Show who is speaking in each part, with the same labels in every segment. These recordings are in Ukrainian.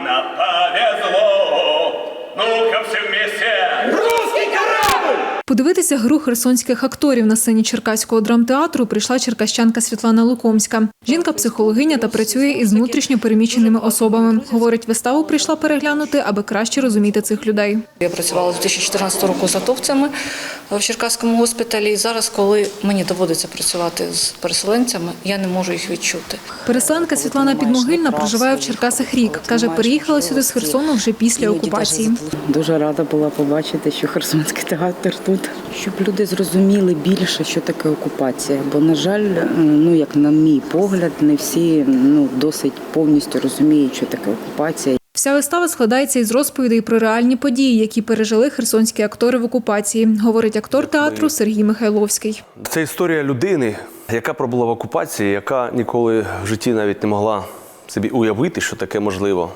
Speaker 1: нам повезло. Ну-ка все вместе. Русский корабль!
Speaker 2: Подивитися гру херсонських акторів на сцені Черкаського драмтеатру прийшла черкащанка Світлана Лукомська. Жінка – психологиня та працює із внутрішньо переміщеними особами. Говорить, виставу прийшла переглянути, аби краще розуміти цих людей.
Speaker 3: Я працювала з 2014 року з атовцями в Черкаському госпіталі. І зараз, коли мені доводиться працювати з переселенцями, я не можу їх відчути.
Speaker 2: Переселенка Світлана Підмогильна проживає в Черкасах рік. Каже, переїхала сюди з Херсону вже після окупації.
Speaker 4: Дуже рада була побачити, що Херсонський театр тут. Щоб люди зрозуміли більше, що таке окупація. Бо, на жаль, як на мій погляд, не всі досить повністю розуміють, що таке окупація.
Speaker 2: Вся вистава складається із розповідей про реальні події, які пережили херсонські актори в окупації, говорить актор театру Сергій Михайловський.
Speaker 5: Це історія людини, яка пробула в окупації, яка ніколи в житті навіть не могла собі уявити, що таке можливо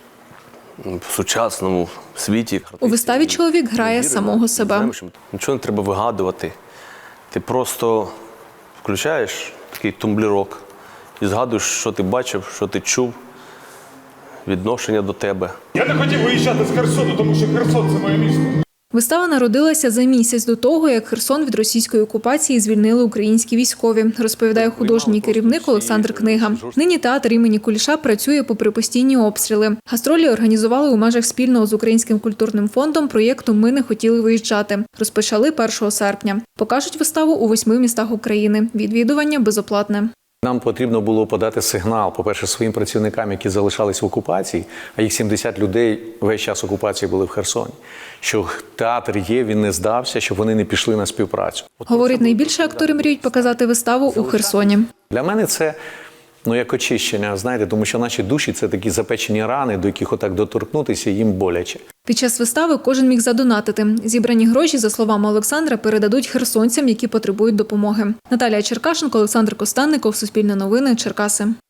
Speaker 5: в сучасному світі.
Speaker 2: У виставі чоловік грає самого себе.
Speaker 5: Нічого не треба вигадувати. Ти просто включаєш такий тумблерок і згадуєш, що ти бачив, що ти чув, відношення до тебе.
Speaker 6: Я не хотів виїжджати з Херсону, тому що Херсон – це моє місто.
Speaker 2: Вистава народилася за місяць до того, як Херсон від російської окупації звільнили українські військові, розповідає художній керівник Олександр Книга. Нині театр імені Куліша працює попри постійні обстріли. Гастролі організували у межах спільного з Українським культурним фондом проєкту «Ми не хотіли виїжджати». Розпочали 1 серпня. Покажуть виставу у 8 містах України. Відвідування безоплатне.
Speaker 7: Нам потрібно було подати сигнал, по-перше, своїм працівникам, які залишались в окупації, а їх 70 людей весь час окупації були в Херсоні, що театр є, він не здався, щоб вони не пішли на співпрацю.
Speaker 2: Говорить, найбільше актори мріють показати виставу у Херсоні.
Speaker 7: Для мене це як очищення, знаєте, тому що наші душі – це такі запечені рани, до яких отак доторкнутися їм боляче.
Speaker 2: Під час вистави кожен міг задонатити. Зібрані гроші, за словами Олександра, передадуть херсонцям, які потребують допомоги. Наталія Черкашенко, Олександр Костенников, Суспільне новини, Черкаси.